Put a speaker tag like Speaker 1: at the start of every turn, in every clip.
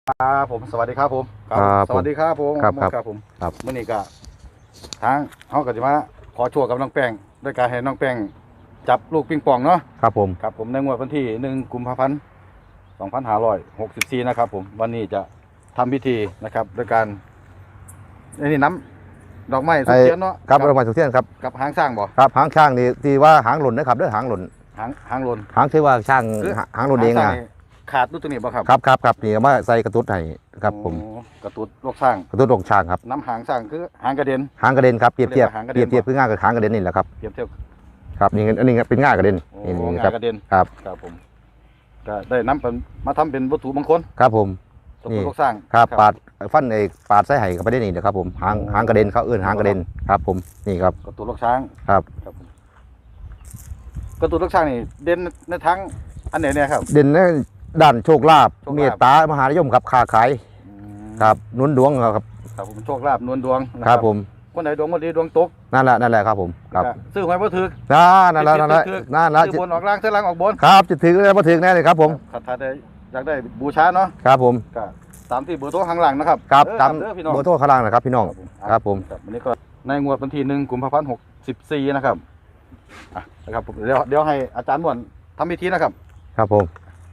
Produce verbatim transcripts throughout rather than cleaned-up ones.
Speaker 1: ครับผมสวัสดีครับผม
Speaker 2: ครับ
Speaker 1: สวัสดีครับผม
Speaker 2: ครับครับ
Speaker 1: ครับผม
Speaker 2: ครับ
Speaker 1: เมื่อนี้ก็ทางเขาก็จะมาขอโชว์กับน้องแป้งด้วยการให้น้องแป้งจับลูกปิงปองเนาะ
Speaker 2: ครับผม
Speaker 1: ครับผมในงวดวันที่หนึ่งกุมภาพันธ์สองพันห้าร้อยหกสิบสี่นะครับผมวันนี้จะทำพิธีนะครับด้วยการนี่น้ำดอกไม้สุกเทียนเนาะ
Speaker 2: ครับเรามาสุเทียนครับ
Speaker 1: กับหางสร้างบ่
Speaker 2: ครับหางช่างนี่ที่ว่าหางหล่นนะครับเด้อหางหล่น
Speaker 1: หางหางลน
Speaker 2: หางที่ว่าช่าง
Speaker 1: คือ
Speaker 2: หางหล่นเอง
Speaker 1: หา
Speaker 2: นะ
Speaker 1: สร้นี่ขาดลูกตัวนี้บ่ครับ
Speaker 2: ครับครับครับนี่เอามาใส่กระตุ้ดให้ครับผม
Speaker 1: โอ้กระตุ้นลูกสร้าง
Speaker 2: กระตุ้ดลงช่างครับ
Speaker 1: น้ำหางสร้างคือหางกระเด็น
Speaker 2: หางกระเด็นครับเปรียบเทียบ
Speaker 1: หางกระ
Speaker 2: เป
Speaker 1: เด็
Speaker 2: รี
Speaker 1: น
Speaker 2: ยบเทียบคือง่ายกับหางกระเด็นนี่แหละครับ
Speaker 1: เทียบเทียบ
Speaker 2: ครับนี่อันนี้เป็นง่ายกระเด็น
Speaker 1: โอ้
Speaker 2: นี่นี่
Speaker 1: งา
Speaker 2: ครับ
Speaker 1: กระเด็น
Speaker 2: ครับ
Speaker 1: ครับผมก็ได้นำเป็นมาทำเป็นวัตถุมงคล
Speaker 2: ครับผม
Speaker 1: ตัว
Speaker 2: นี่
Speaker 1: ลูกสร้าง
Speaker 2: ครับปาดฟันไอ้ปาดไส้ไห่กับไปได้นี่เด้อครับผมหางหางกระเด็นเขาเอื้อนหางกระเด็นครับผมนี่ครับ
Speaker 1: กระตุ้นลูกช้าง
Speaker 2: ครับ
Speaker 1: ครับผมกระตุ้นลูกช้างนี่เด่นในทั้งอันไหนเนี่ยครับ
Speaker 2: เด่นในด้านโชคลาภ
Speaker 1: โชคลาภ
Speaker 2: เมตตามหานิยมครับค้าขาย
Speaker 1: อืม
Speaker 2: ครับหนุนดวงครับ
Speaker 1: ครับผมโชคลาภนวลดวงนะครับ
Speaker 2: ผม
Speaker 1: คนไหนดวงบ่ดีดวงตก
Speaker 2: นั่นแหละนั่นแหละครับผมครับ
Speaker 1: ก็ซื้อหวยบ่ถึก
Speaker 2: นั่นแหละนั่นแหละ
Speaker 1: ถือ
Speaker 2: นั่นแหละ
Speaker 1: ซื้อบนออกล่างซื้อล่างออกบน
Speaker 2: ครับจะถึงแล้วมาถึงแน่เลยครับผม
Speaker 1: ครับถ้าได้อยากได้บูชาเนาะ
Speaker 2: ครับผม
Speaker 1: ก็ตามที่เบอร์โทรข้างหลังนะครับ
Speaker 2: ครับ
Speaker 1: เออ
Speaker 2: ตาม
Speaker 1: เด้อพี่น้อง
Speaker 2: เบอร์โทรข้างล่างนะครับพี่น้อง ครับผม
Speaker 1: ครับวันนี้ก็ในงวดวันที่หนึ่งกุมภาพันธ์หกสิบสี่นะครับอ่ะนะครับผมเดี๋ยวเดี๋ยวให้อาจารย์ม่วนทำพิธีนะครับ
Speaker 2: ครับผม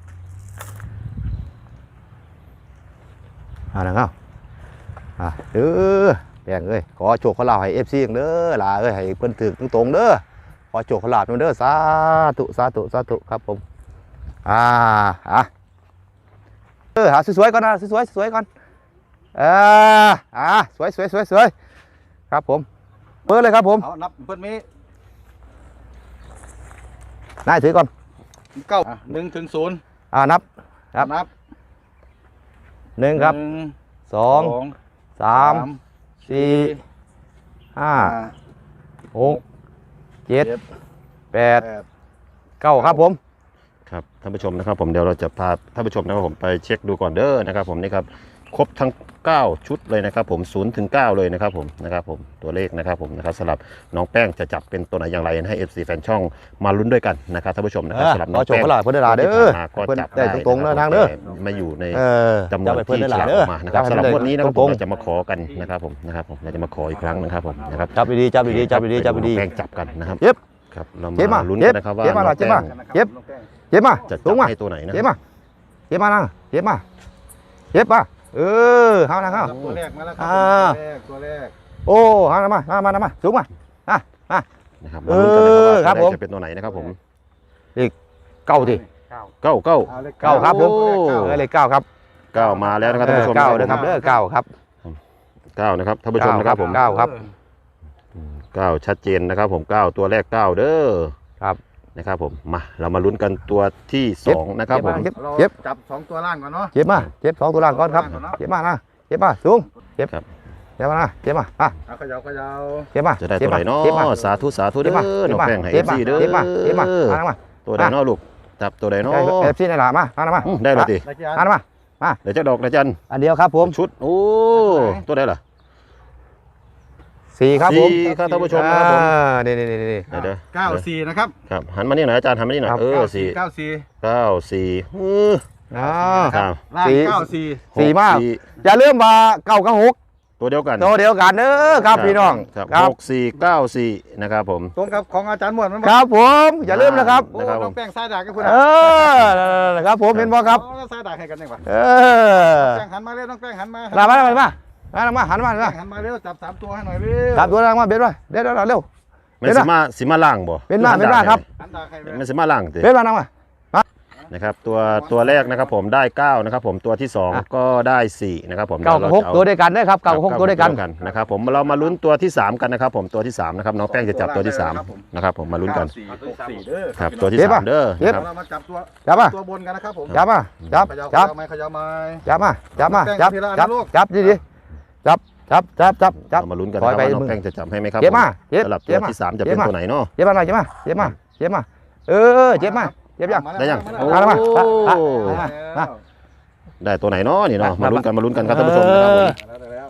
Speaker 2: อ่านะครับอ่าเออแบ่งเอ้ยขอโชคขอลาภให้เอฟซีเด้อลาเอ้ยให้เพิ่นถึกตรงๆเด้อขอโชคขอลาภเด้อสาธุสาธุสาธุครับผมอ่าอ่ะเออหาสวยๆก่อนนะสวยๆสวยๆก่อนเอออ่าสวยสวยสวยสวยครับผมเปิดเลยครับผม
Speaker 1: เอานับเพิ่นมี
Speaker 2: นายถือก่อน
Speaker 1: เก้าหนึ่งถึงศูนย์
Speaker 2: อ่านับ ครับ
Speaker 1: นับ
Speaker 2: หนึ่งครับ
Speaker 1: หนึ่ง
Speaker 2: สองสามสี่ ห้า
Speaker 1: ห้า
Speaker 2: หกเจ็ด
Speaker 1: เจ็ด
Speaker 2: แปด
Speaker 1: แปด
Speaker 2: เก้าครับผม
Speaker 3: ครับท่านผู้ชมนะครับผมเดี๋ยวเราจะพาท่านผู้ชมนะครับผมไปเช็คดูก่อนเด้อนะครับผมนี่ครับครบทั้งเก้าชุดเลยนะครับผมศูนย์ถึงเก้าเลยนะครับผมนะครับผมตัวเลขนะครับผมนะครับสำหรับน้องแป้งจะจับเป็นตัวไหนอย่างไรให้ เอฟ ซี แฟนช่องมาลุ้นด้วยกันนะครับท่านผู้ชมนะครับ
Speaker 2: เออ
Speaker 3: สำหรับ
Speaker 2: ข
Speaker 3: น้
Speaker 2: อ
Speaker 3: อง
Speaker 2: โชค
Speaker 3: แป้ง
Speaker 2: ขอลาภเพิ่นได้หลายเด้อ
Speaker 3: ที่ผ่านมาก็
Speaker 2: เพิ่น
Speaker 3: จับ
Speaker 2: ได้
Speaker 3: ได้
Speaker 2: ตรงๆเด้อทางเด้อ
Speaker 3: แต่มาอยู่ใน
Speaker 2: เออ
Speaker 3: จำนวน
Speaker 2: จับให้เพิ่น
Speaker 3: ที่
Speaker 2: ได้ห
Speaker 3: ฉ
Speaker 2: ลาย
Speaker 3: ลาก
Speaker 2: เด้
Speaker 3: อ
Speaker 2: อ
Speaker 3: อกมานะครับ
Speaker 2: จับ
Speaker 3: สำหรับ
Speaker 2: ให้
Speaker 3: งวันนี้นะครับ
Speaker 2: ต
Speaker 3: ผ
Speaker 2: ร
Speaker 3: ม
Speaker 2: ง
Speaker 3: เราจะมาขอกันนะครับผมนะครับผมเราจะมาขออีกครั้งนะครับผมนะครับ
Speaker 2: ๆจับดีๆจับดีๆจับดีๆจับดี
Speaker 3: แป้งจับกันนะครับ
Speaker 2: เย็บ
Speaker 3: ครับเรา
Speaker 2: เย็บ
Speaker 3: มา
Speaker 2: มา
Speaker 3: ลุ้น
Speaker 2: เย็
Speaker 3: กับ นนะครับว่า
Speaker 2: เย็บมา
Speaker 3: น้อง
Speaker 2: เย็บ
Speaker 3: แป้
Speaker 2: มา
Speaker 3: ง
Speaker 2: เย็บ เย็บมา
Speaker 3: จะ
Speaker 2: สู
Speaker 3: จั
Speaker 2: ง
Speaker 3: บ
Speaker 2: มา
Speaker 3: ให้ตัวไหนนะ
Speaker 2: เย็บมาเย็บมานั่งเย็บมาเย็บมาเออเฮานะเฮา
Speaker 1: ตัวแรกมาแล้วครั
Speaker 2: อ่า
Speaker 1: ตัวแรกตัวแรก
Speaker 2: โอ้เฮานะมามามามาสูงมาอ่ะมา
Speaker 3: นะครับมาลุ้นกันนะครับว่า
Speaker 2: เออครับผม
Speaker 3: ตัวแรกจะเป็นตัวไหนนะครับผม
Speaker 2: เก้าที
Speaker 1: เก้า
Speaker 3: เก้าเก้า
Speaker 1: อลข
Speaker 2: เก้าครับผม
Speaker 3: โอ้
Speaker 2: เออเลขเก้าครับ
Speaker 3: เก้ามาแล้วนะครับท่านผู้ชม
Speaker 2: เก้า
Speaker 3: นะ
Speaker 2: เด้อครับเด้อเก้าครับ
Speaker 3: เก้านะครับท่านผู้ชมนะครับผม
Speaker 2: เก้าครับ
Speaker 3: เก้าชัดเจนนะครับผมเก้าตัวแรกเก้าเด้อ
Speaker 2: ครับ
Speaker 3: นะครับผมมาเรามาลุ้นกันตัวที่สองนะครับผม
Speaker 2: เย็บ
Speaker 1: เรา
Speaker 2: เย็บ
Speaker 1: จับสองตัวล่างก่อนเนาะ
Speaker 2: เจ็บมาเจ็บสองตัวล่างก่อนครับเจ็บมานะเจ็บมาสูงเจ็บ
Speaker 3: ครับ
Speaker 2: เจ็บมานะเจ็บมาอ่ะ
Speaker 1: เอาเขยาวขยาว
Speaker 2: เจ็บมา
Speaker 3: จะได้ตัวไหนเนาะ
Speaker 2: จ็บมา
Speaker 3: สาธุสาธุเด้
Speaker 2: เจ็บมา
Speaker 3: อน้องแป้งให้เอ
Speaker 2: เจ็บ
Speaker 3: ฟ
Speaker 2: มา
Speaker 3: ซีเด้อ
Speaker 2: เจ็บมาเจ็บมามามา
Speaker 3: ตัวไหนเนาะลูกจับตัวไหนเนาะ
Speaker 2: เอฟซีในหลามามามา
Speaker 3: อืมได้เลยดิ
Speaker 1: ได้กี่อัน
Speaker 2: มามา
Speaker 3: เดี๋ยวจะดอกนะจัน
Speaker 2: อันเดียวครับผม
Speaker 3: ชุดโอ้ตัวไหนล่ะ
Speaker 2: สี่ครับผม
Speaker 3: สี่ครับท่านผู้ชมนะครับผม
Speaker 2: อ่านี่นี่นี่นี่
Speaker 3: เดี๋ยวเดี๋ยว
Speaker 1: เก้าสี่นะครับ
Speaker 3: ครับหันมานี่หน่อยอาจารย์หันมานี่หน่อย
Speaker 2: ครับ
Speaker 3: เออ
Speaker 1: เก้า
Speaker 3: สี่
Speaker 1: เก้าสี่
Speaker 3: เก้าสี่ฮือ
Speaker 2: อ่า
Speaker 3: ครับ
Speaker 1: ล่าง
Speaker 2: สี่
Speaker 1: เก้าสี่
Speaker 2: สี่มาก
Speaker 3: ห
Speaker 2: อย่าลืมมาเก้ากับหก
Speaker 3: ตัวเดียวกัน
Speaker 2: ตัวเดียวกันเด้อครับพี่น้อง
Speaker 3: ครับ
Speaker 2: ครับ
Speaker 3: หกสี่เก้าสี่นะครับผม
Speaker 1: ตรงกับของอาจารย์หมวดมัน
Speaker 2: ครับผมอย่าลืมนะครับ
Speaker 1: โอ้
Speaker 3: นะครับผม
Speaker 1: น้องแป้งสายดากกันคุณ
Speaker 2: เออนะครับผมเห็นบ่ครับ
Speaker 1: อ๋อสายดากให้กันยังวะ
Speaker 2: เออ
Speaker 1: แป้งหันมาเร็วน้องแป้งหันมา
Speaker 2: มามามามามามาหันมาหัน
Speaker 1: แป้
Speaker 2: มาง
Speaker 1: หันมาเร็วจับสามตัวให้หน่อยเร็ว
Speaker 2: สามตัวล่างมาเบ็ดไว้เด็ดเร็วเร็ว
Speaker 3: มันสิมาสิมาล่างบ่
Speaker 2: เป็นมาเป็นมาครับ
Speaker 1: หันดากให้เร็ว
Speaker 3: มันสิมาล่างสิ
Speaker 2: เบ็ดมานั่งมา
Speaker 3: นะครับตัวตัวแรกนะครับผมได้เก้านะครับผมตัวที่สอง
Speaker 2: อ่ะ
Speaker 3: ก็ได้สี่นะครับผม
Speaker 2: เก้ากับหก
Speaker 3: ดี๋ย
Speaker 2: ตัว
Speaker 3: เราจะ
Speaker 2: ด้วยกันเด้อครับ
Speaker 3: อ
Speaker 2: เก้ากับหกตัวด้วยกัน
Speaker 3: นะครับผมเรามาลุ้นตัวที่สามกันนะครับผมตัวที่สามนะครับน้องแป้งจะจับตัวที่สามนะครับผมมาลุ้นกัน
Speaker 1: เก้าสี่หกสี่เด้อ
Speaker 3: ครับตัวที่
Speaker 2: เย็บ
Speaker 3: สา
Speaker 2: ป่ะ
Speaker 3: มเด้อ
Speaker 2: เย็บ
Speaker 3: นะครับ
Speaker 1: เรามาจับตัว
Speaker 2: จับมา
Speaker 1: ตัวบนกันนะครับผม
Speaker 2: จับมาจับ
Speaker 1: ขยาว
Speaker 2: จับ
Speaker 1: ขยาวไม้ขยาวไม้
Speaker 2: จับมาจับมาจับ
Speaker 1: แป้งทีละอัน
Speaker 2: จับ
Speaker 1: นะลูก
Speaker 2: จับดีดีจับจับจับจับจับ
Speaker 3: เรามาลุ้นกัน
Speaker 2: ปล่
Speaker 3: นะ
Speaker 2: อย
Speaker 3: ครับ
Speaker 2: ไป
Speaker 3: ว่าน้อง
Speaker 2: มือ
Speaker 3: แป้งจะจับให้ไหมครับ
Speaker 2: เย็บมา
Speaker 3: ผ
Speaker 2: เย็บ
Speaker 3: สำหรับ
Speaker 2: เย็
Speaker 3: ตั
Speaker 2: บ
Speaker 3: ว
Speaker 2: มา
Speaker 3: ที่สามจะ
Speaker 2: เย็
Speaker 3: เป็
Speaker 2: บ
Speaker 3: น
Speaker 2: มา
Speaker 3: ตัวไหนเนาะ
Speaker 2: เย็บมาหน่อยเย็บมาเย็บมาเย็บมาเออเย็บมาเย็บยัง
Speaker 3: ได้ยัง
Speaker 1: มา
Speaker 3: โอ้
Speaker 1: แล้ว
Speaker 2: มาแล้วมา
Speaker 1: มาแล้ว
Speaker 2: มา
Speaker 3: ได้ตัวไหนเนาะนี่เนาะ
Speaker 2: มา
Speaker 3: มาลุ้นกันมาลุ้นกันครับท่านผู้ชมนะครับผม
Speaker 1: มาแล้วได้แล้วเอา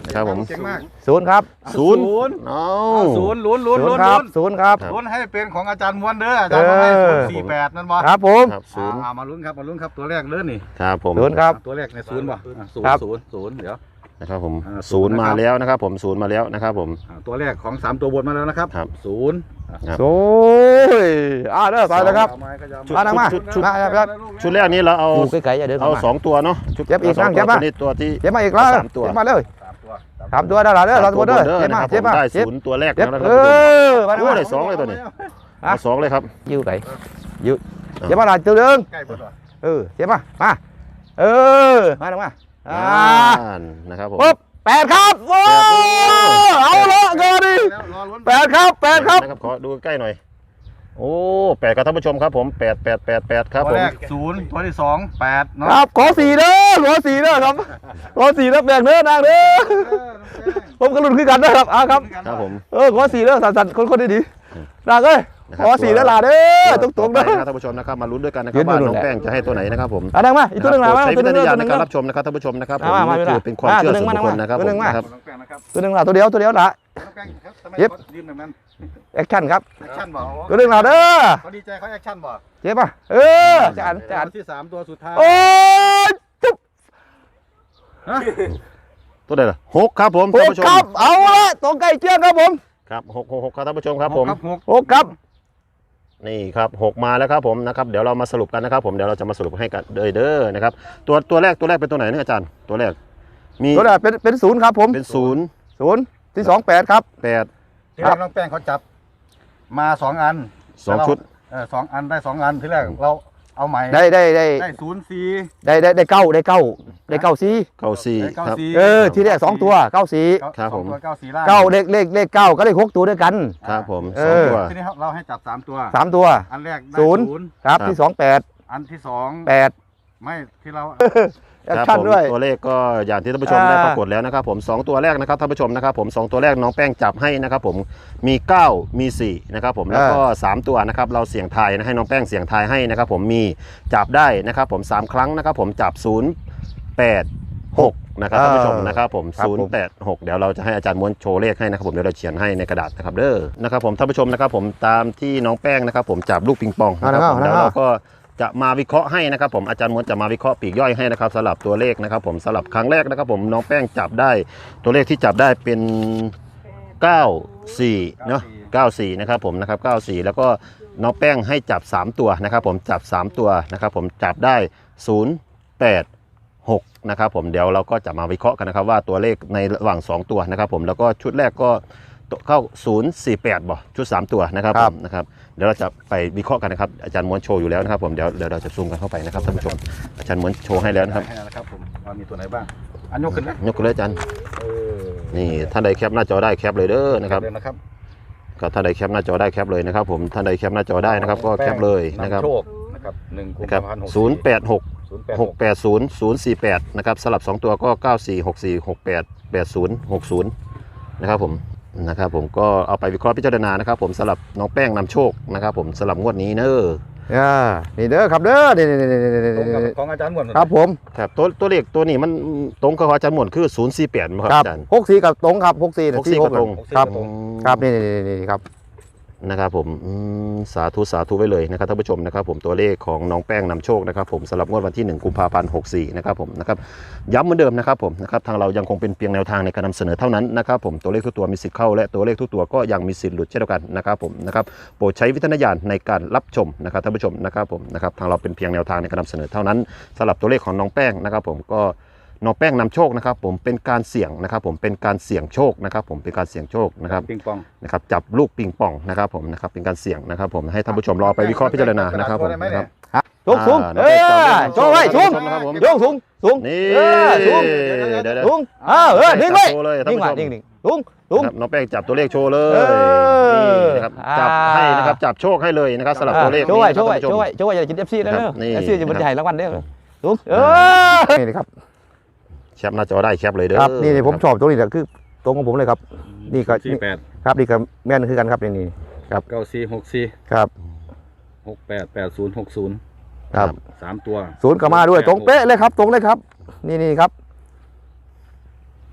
Speaker 3: นะครับผม
Speaker 1: เก่งมาก
Speaker 2: ศูนย์ครับ
Speaker 3: ศูนย์
Speaker 1: ศูนย์
Speaker 3: เอา
Speaker 1: ศูนย์ลุ้นลุ้น
Speaker 2: ศูน
Speaker 1: ลุ้
Speaker 2: ย์
Speaker 1: น
Speaker 2: ครับ
Speaker 1: ลุ้น
Speaker 2: ศูนย์ครับ
Speaker 3: ครับ
Speaker 1: ลุ้นให้เป็นของอาจารย์ม้วนเด้ออาจารย์ม้วนให้ศูนย์สี่แปดนั่นบ่
Speaker 2: ครับผม
Speaker 3: ครับศูนย์
Speaker 1: อ่ามาลุ้นครับมาลุ้นครับตัวแรกเด้อนี่
Speaker 3: ครับผม
Speaker 2: ศูนย์ครับ
Speaker 1: ตัวแรกในศูนย์บ่อ่ะศูน
Speaker 2: ครั
Speaker 1: ย์
Speaker 2: บ
Speaker 1: ศูนย์ศูนย์เดี๋ยว
Speaker 3: นะครับผม
Speaker 1: อ่า
Speaker 3: ศูนย์
Speaker 1: ศูนย์
Speaker 3: มา
Speaker 1: นะครับ
Speaker 3: แล้วนะครับผมศูนย์มาแล้วนะครับผม
Speaker 1: อ่าตัวแรกของสามตัวบนมาแล้วนะครับ
Speaker 3: ครับ
Speaker 1: ศูนย์อ่ะ
Speaker 3: ครับ
Speaker 2: โอ้ยอ่าเด้อไปเลยครับ
Speaker 1: เอาไม้ก็ยาว
Speaker 2: มานั่งมา
Speaker 3: ชุดชุด
Speaker 2: มาครับ
Speaker 3: ชุดแรกนี้เราเอา
Speaker 2: อยู่ไกลๆอย่าเดิน
Speaker 3: เอา
Speaker 2: เข้ามา
Speaker 3: สองตัวเนาะชุด
Speaker 2: เจ็บอีก
Speaker 3: าส
Speaker 2: นั่งเจ็บ
Speaker 3: ตัว
Speaker 2: มา
Speaker 3: ตัวนี้ตัวที่
Speaker 2: เจ็บมาอีกแล้ว
Speaker 3: สามตัว
Speaker 2: เจ็บมาเลย
Speaker 1: สามตัว
Speaker 2: สามตัวเด้อล่ะเด้อเราตัวเด้อ
Speaker 3: สาม
Speaker 2: เจ็บ
Speaker 3: นะ
Speaker 2: มา
Speaker 3: ครับ
Speaker 2: เจ็บ
Speaker 3: ผม
Speaker 2: มา
Speaker 3: ได้
Speaker 2: เจ็บ
Speaker 3: ศูนย์ตัวแรก
Speaker 2: เจ็บ
Speaker 3: แล้วนะค
Speaker 2: เอ
Speaker 3: รับ
Speaker 2: อมา
Speaker 3: โอ้
Speaker 2: ได้
Speaker 3: ได้สองเลยตัวนี้
Speaker 2: ฮะ
Speaker 3: เอาสองเลยครับ
Speaker 2: อยู่ไหนอยู่เจ็บมาหลายตัวเดิง
Speaker 1: ใกล้เพิ่นว่ะ
Speaker 2: เออเจ็บมามาเออมาลงมาอ่า
Speaker 3: อ่านนะครับผม
Speaker 2: ปุ๊บแปดครับโอ้เอาละเกินดิ
Speaker 1: แล้วรอลุ้น
Speaker 2: แปดครับแปดครับ
Speaker 3: นะครับขอดูใกล้หน่อยโอ้แปดครับท่านผู้ชมครับผมแปดแปดแปดแปดครับ
Speaker 1: ตัว
Speaker 3: ผม
Speaker 1: แรกศูนย์ตัวที่สองแปดเนาะ
Speaker 2: ครับขอสี่เด้อขอสี่เด้อครับขอสี่เด้อแบ่งเด้อนางเด้อ
Speaker 1: เออน้องแป้ง
Speaker 2: ผมก็ลุ้นขึ้นกันนะครับอ่ะครับ
Speaker 3: ครับผม
Speaker 2: เออขอสี่เด้อสั่นๆคนๆดีๆนางเอ้ยขอสี่เด้อล่ะเด้อตรงๆ
Speaker 3: ต่
Speaker 2: เด้
Speaker 3: อ
Speaker 2: อ
Speaker 3: ไปนะครับท่านผู้ชมนะครับมาลุ้นด้วยกันนะค
Speaker 2: ยื
Speaker 3: รับ
Speaker 2: น
Speaker 3: ว่า
Speaker 2: ดู
Speaker 3: น้อง
Speaker 2: แหละ
Speaker 3: แป้งจะให้ตัวไหนนะครับผม
Speaker 2: อ่ะดังมาอีกตัวหนึงมา
Speaker 3: โปร
Speaker 2: มา
Speaker 3: ดใช้
Speaker 2: ตัวห
Speaker 3: วิ
Speaker 2: นึง
Speaker 3: จารณญาณใน
Speaker 2: ตัวหนึง
Speaker 3: การรับชมนะครับท่านผู้ชมนะครับผม
Speaker 2: มามา
Speaker 3: นี่
Speaker 2: มา
Speaker 3: คือเป็นความ
Speaker 2: มา
Speaker 3: เชื่อ
Speaker 2: ตัวหนึ่
Speaker 3: ส่
Speaker 2: ง
Speaker 3: วนบุคคล
Speaker 2: มา
Speaker 3: นะครับ
Speaker 2: ตัวหนึ่ง
Speaker 3: ผม
Speaker 2: มา
Speaker 3: นะครับ
Speaker 1: น้องแป้งนะครับ
Speaker 2: ตัวหนึงล่ะตัวเดียวตัวเดียวล่ะ
Speaker 1: น้องแป้งครับทำไม
Speaker 2: เย็บ
Speaker 1: เขายืนแบบนั้น
Speaker 2: แอคชั่นครับ
Speaker 1: แอคชั่นบอก
Speaker 2: ตัวหนึงล่ะเด้อ
Speaker 1: เขาดีใจเขาแอคชั่นบอก
Speaker 2: เจ็บป่ะเออจานจาน
Speaker 1: ที่สามตัวสุดท้าย
Speaker 2: โอ้ยจุ๊บ
Speaker 1: ฮะ
Speaker 3: ตัวใดล่ะหกครับผม
Speaker 2: ห
Speaker 3: ท่าน
Speaker 2: ก
Speaker 3: ผู้ชม
Speaker 2: ครับเอาละตรงใกล้เคียงครับผม
Speaker 3: ครับหกหกหกครับท่านผู้ชมครับผม
Speaker 1: หกหก
Speaker 2: หกครับ
Speaker 3: นี่ครับหกมาแล้วครับผมนะครับเดี๋ยวเรามาสรุปกันนะครับผมเดี๋ยวเราจะมาสรุปให้กันเลยเด้อนะครับตัวตัวแรกตัวแรกเป็นตัวไหนเนี่ยอาจารย์ตัวแรกมี
Speaker 2: ตัวแรกเป็นเป็นศูนย์ครับผม
Speaker 3: เป็นศูนย์
Speaker 2: ศูนย์ที่สองแปดครับ
Speaker 3: แปด
Speaker 1: ที่แรกน้องแป้งเขาจับมาสองอัน
Speaker 3: สองชุด
Speaker 1: เออสองอันได้สองอันที่แรกเราเอาใหม่
Speaker 2: ได้ได้ได้
Speaker 1: ได้ศูนย์สี่
Speaker 2: ได้ได้ได้เก้าได้เก้าได้เก้าสี่
Speaker 3: เก้าสี่
Speaker 1: ได้เก้า
Speaker 3: ครับ
Speaker 1: สี่
Speaker 2: เออที่แรกสองตัวเก้าสี่
Speaker 3: ครับ
Speaker 1: สองตัว
Speaker 3: ผม
Speaker 1: เก้าสี่ล่าง
Speaker 2: เก้าเลขเลขเลขเก้าก็ได้หกตัวด้วยกัน
Speaker 3: ครับผม
Speaker 2: เอ
Speaker 3: สอง
Speaker 2: อ
Speaker 3: ตัว
Speaker 1: ทีนี้เราให้จับสามตัว
Speaker 2: สามตัว
Speaker 1: อันแรกได้
Speaker 2: ศูนย์ ครับ
Speaker 3: ครับ
Speaker 2: ที่สองแปด
Speaker 1: อันที่สอง
Speaker 2: แปด
Speaker 1: ไม่ที่เรา
Speaker 2: แอค
Speaker 3: ครับ
Speaker 2: ชั่น
Speaker 3: ผม
Speaker 2: ด้วย
Speaker 3: ตัวเลขก็อย่างที่ท่านผู้ชม
Speaker 2: อ่า
Speaker 3: ได้ปรากฏแล้วนะครับผมสองตัวแรกนะครับท่านผู้ชมนะครับผมสองตัวแรกน้องแป้งจับให้นะครับผมมีเก้ามีสี่นะครับผมแล้วก็สามตัวนะครับเราเสี่ยงทายนะให้น้องแป้งเสี่ยงทายให้นะครับผมมีจับได้นะครับผมสามครั้งนะครับผมจับศูนย์แปดหกนะครับท่านผู้ชมนะครับผมศูนย์แปดหกเดี๋ยวเราจะให้อาจารย์ม้วนโชว์เลขให้นะครับผมเดี๋ยวเราเขียนให้ในกระดาษนะครับเด้อนะครับผมท่านผู้ชมนะครับผมตามที่น้องแป้งนะครับผมจับลูกปิงปองนะครับผม
Speaker 2: เอาละ
Speaker 3: เดี๋ยว
Speaker 2: เอาละ
Speaker 3: เราก็จะมาวิเคราะห์ให้นะครับผมอาจารย์ม้วนจะมาวิเคราะห์ปีกย่อยให้นะครับสำหรับตัวเลขนะครับผมสำหรับครั้งแรกนะครับผมน้องแป้งจับได้ตัวเลขที่จับได้เป็นเก้าสี่เนาะเก้าสี่นะครับผมนะครับเก้าสี่แล้วก็น้องแป้งให้จับสามตัวนะครับผมจับสามตัวนะครับผมจับได้ศูนย์แปดหกนะครับผมเดี๋ยวเราก็จะมาวิเคราะห์กันนะครับว่าตัวเลขในระหว่างสองตัวนะครับผมแล้วก็ชุดแรกก็เข้าศูนย์สี่แปดบ่ชุดสามตัวนะครับ
Speaker 2: ค
Speaker 3: ผ
Speaker 2: รับ
Speaker 3: มนะครับเดี๋ยวเราจะไปวิเคราะห์กันนะครับอาจารย์ม้วนโชว์อยู่แล้วนะครับผมเดี๋ยวเดี๋ยวเราจะซูมกันเข้าไปนะครับท่านผู้ชมอาจารย์ม้วนโชว์ให้แล้วนะครับ
Speaker 1: ให้นะครับผมว่ามีตัวไหนบ้างอันยกขึ้นนะ
Speaker 3: ยกขึ้นเลยอาจารย์
Speaker 1: เออ
Speaker 3: นี่ท่านใดแคปหน้าจอได้แคปเลยเด้อนะครับ
Speaker 1: เดินนะครับ
Speaker 3: ก็ท่านใดแคปหน้าจอได้แคปเลยนะครับผมท่านใดแคปหน้าจอได้นะครับก็แคปเลยนะครับ
Speaker 1: ำโชคนะครับหนึ่งกุม
Speaker 3: นะครับ
Speaker 1: ภาพันธ์หก
Speaker 3: ศูนย์แปดหก
Speaker 1: ศูนย์แปด
Speaker 3: หกแปดศูนย์ศูนย์สี่แปดนะครับสลับสองตัวก็เก้าสี่หกสี่หกแปดแปดศูนย์หกศูนย์นะครับผมนะครับผมก็เอาไปวิเคราะห์พิจารณานะครับผมสลับน้องแป้งนำโชคนะครับผมสลับงวดนี้เนอะ
Speaker 2: อ่านี่เด้อครับเด้อนี่นี่นี่นี่นี่
Speaker 1: ตรงกับ
Speaker 2: นี่
Speaker 1: ของอาจารย์หมวน
Speaker 2: ครับผม
Speaker 3: ครับตัวตัวเลขตัวนี้มันตรงกับอาจารย์หมวนคือศูนย์สี่แปดไหมครับ
Speaker 2: ครับ
Speaker 3: อาจารย์
Speaker 2: หกสี่กับตรงครับหกสี่เนี่ย
Speaker 3: หกสี่
Speaker 2: ที่หก
Speaker 3: กับตรง
Speaker 2: ครับ
Speaker 3: อืม
Speaker 2: ครับนี่นี่นี่นี่ครับ
Speaker 3: นะครับผมอืมสาธุสาธุไว้เลยนะครับท่านผู้ชมนะครับผมตัวเลขของน้องแป้งนำโชคนะครับผมสำหรับงวดวันที่หนึ่งกุมภาพันธ์หกสี่นะครับผมนะครับย้ำเหมือนเดิมนะครับผมนะครับทางเรายังคงเป็นเพียงแนวทางในการนำเสนอเท่านั้นนะครับผมตัวเลขทุกตัวมีสิทธิ์เข้าและตัวเลขทุกตัวก็ยังมีสิทธิ์หลุดเช่นเดียวกันนะครับผมนะครับโปรดใช้วิจารณญาณในการรับชมนะครับท่านผู้ชมนะครับผมนะครับทางเราเป็นเพียงแนวทางในการนำเสนอเท่านั้นสำหรับตัวเลขของน้องแป้งนะครับผมก็น้องแป้งนำโชคนะครับผมเป็นการเสี่ยงนะครับผมเป็นการเสี่ยงโชคนะครับผมเป็นการเสี่ยงโชคนะครับ
Speaker 1: ปิงปอง
Speaker 3: นะครับจับลูกปิงปองนะครับผมนะครับเป็นการเสี่ยงนะครับผมให้ท่านผู้ชมรอไปวิเคราะห์พิจารณานะครับผมนะครับ
Speaker 2: ฮะสูงสูง
Speaker 3: อ่า
Speaker 2: เออ
Speaker 3: น้
Speaker 2: โช
Speaker 3: อง
Speaker 2: ว์
Speaker 3: แป้
Speaker 2: ไว้
Speaker 3: ง
Speaker 2: สูง
Speaker 3: นะครับผม
Speaker 2: โยงสูงสูง
Speaker 3: นี่
Speaker 2: เออสูง
Speaker 3: เดี๋ยวเดี๋ยว
Speaker 2: สูงเออเออนิ่งไว้
Speaker 3: โชว์เลยท่าน
Speaker 2: นิ่ง
Speaker 3: ผู้
Speaker 2: ไว้
Speaker 3: ชม
Speaker 2: นิ่งนิ่งสูงสูง
Speaker 3: ครับน้องแป้งจับตัวเลขโชว์เลย
Speaker 2: เออ
Speaker 3: นี่นะครับจับให้นะครับจับโชคให้เลยนะครับสำหรับตัวเลข
Speaker 2: โชว์ไว้
Speaker 3: นี้
Speaker 2: โชว์ไว้
Speaker 3: นะครับ
Speaker 2: โชว์ไว้โชว์ไว้อย่ากินเอฟซีนะ
Speaker 3: ครั
Speaker 2: เด้
Speaker 3: บนี่
Speaker 2: อเอฟซีจะบรรยายรางวัลเด้อสูงเออนี่ครับ
Speaker 3: แคปหน้าจอได้แคปเลยเด้อ
Speaker 2: ครับนี่นี่ผมชอบตรงนี้แหละคือตรงของผมเลยครับ นี่ก็
Speaker 1: สี่แปด
Speaker 2: ครับนี่ก็แม่นคือกันครับนี่นี่
Speaker 1: เก้าสี่หกสี่
Speaker 2: ครับ
Speaker 1: หกแปดแปดศูนย์หกศูนย์
Speaker 2: ครับ
Speaker 1: สามตัว
Speaker 2: ศูนย์ก็มาด้วยตรงเป๊ะเลยครับ ตรงเลยครับ นี่นี่ครับ อ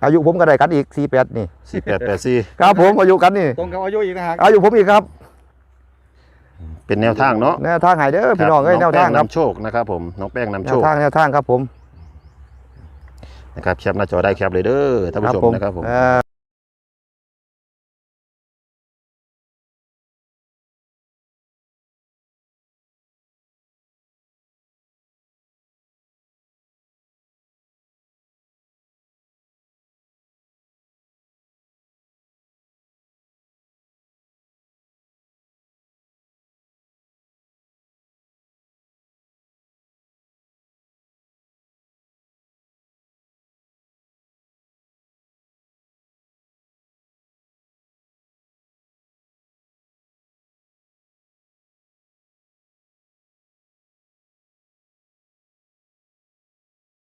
Speaker 2: อายุผมก็ได้กันอีกสี่แปดนี่
Speaker 3: สี่แปดแปดสี่
Speaker 2: ครับผมอายุกันนี่
Speaker 1: ตรงกับอายุอีกนะฮะ
Speaker 2: อายุผมอีกครับ
Speaker 3: เป็นแนวทางเนาะ
Speaker 2: แนวทางใหายเด้อพี่น้องเอ้ยแนวทางครับ
Speaker 3: น้องแป้นำโชคนะครับผมน้องแป้งนำ
Speaker 2: แน
Speaker 3: โช
Speaker 2: ว
Speaker 3: ค
Speaker 2: ทางแนวทางครับผม
Speaker 3: นะครับแคปหน้าจอได้แคปเลยเด้อท่านผู้ชมนะครับผม
Speaker 2: เอ่อ